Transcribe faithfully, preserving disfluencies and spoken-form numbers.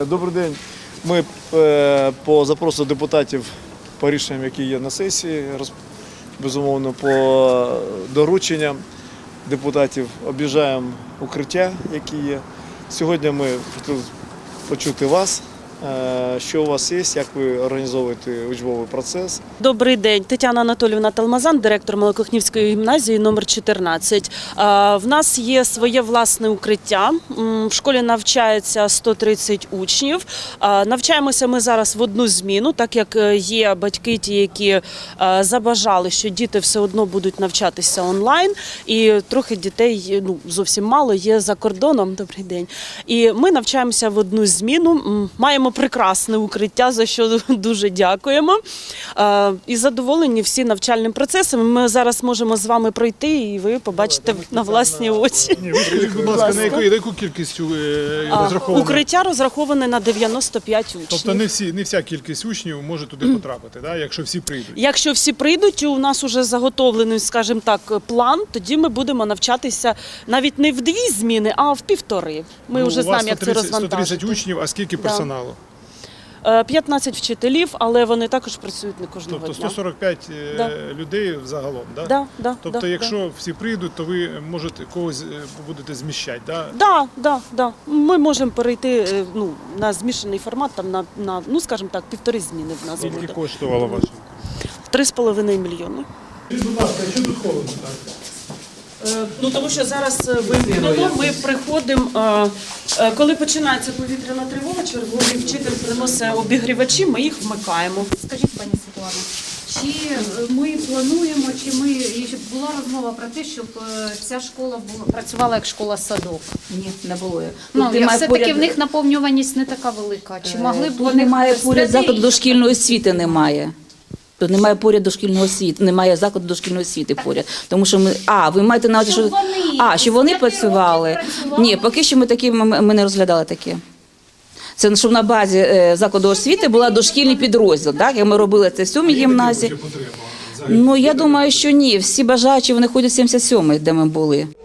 Добрий день. Ми по запросу депутатів, по рішенням, які є на сесії, безумовно, по дорученням депутатів об'їжджаємо укриття, які є. Сьогодні ми хотіли почути вас. Що у вас є, як ви організовуєте учбовий процес? Добрий день, Тетяна Анатоліївна Талмазан, директор Малокохнівської гімназії номер чотирнадцять. В нас є своє власне укриття. В школі навчається сто тридцять учнів. Навчаємося ми зараз в одну зміну, так як є батьки ті, які забажали, що діти все одно будуть навчатися онлайн. І трохи дітей, ну зовсім мало, є за кордоном. Добрий день. І ми навчаємося в одну зміну. Маємо прекрасне укриття, за що дуже дякуємо. І задоволені всі навчальним процесом. Ми зараз можемо з вами пройти і ви побачите на власні очі. Ні, ви скажіть, будь ласка, на яку, на яку кількість розраховано? Укриття розраховане на дев'яносто п'ять учнів. Тобто не, всі, не вся кількість учнів може туди потрапити, да? Якщо всі прийдуть? Якщо всі прийдуть, у нас вже заготовлений, скажімо так, план, тоді ми будемо навчатися навіть не в дві зміни, а в півтори. Ми ну, вже знаємо, як це розвантажити. сто тридцять учнів, а скільки персоналу? п'ятнадцять вчителів, але вони також працюють не кожного тобто дня. сто сорок п'ять да. людей загалом, да? Да, да, тобто да, якщо да. всі прийдуть, то ви можете когось будете зміщати, да? Да, да, да. Ми можемо перейти ну, на змішаний формат, там, на, на, ну, скажімо так, півтори зміни в нас буде. Скільки коштувало ваше? Три з половиною мільйони. Будь ласка, що тут холодно так? Ну, тому що зараз вимкнено, ми приходимо, коли починається повітряна тривога, черговий вчитель приносить обігрівачі, ми їх вмикаємо. Скажіть, пані Світлана, чи ми плануємо, чи ми і була розмова про те, щоб ця школа була працювала як школа-садок? Ні, не було. Ну, Тут немає все-таки поряд- в них наповнюваність не така велика. Чи могли б Тут вони немає ввести поряд закладу і- дошкільної освіти, немає. Тут немає поряд дошкільної освіти, немає закладу дошкільної освіти поряд. Тому що ми, а, ви маєте на увазі, що, Щоб вони а, що вони з п'яти працювали. років працювали. Ні, поки що ми такі, ми, ми не розглядали таке. Це щоб на базі е, закладу освіти була дошкільний підрозділ, так, як ми робили це в сьомій гімназії. Ну, я думаю, що ні, всі бажаючі, вони ходять в сімдесят сьомий, де ми були.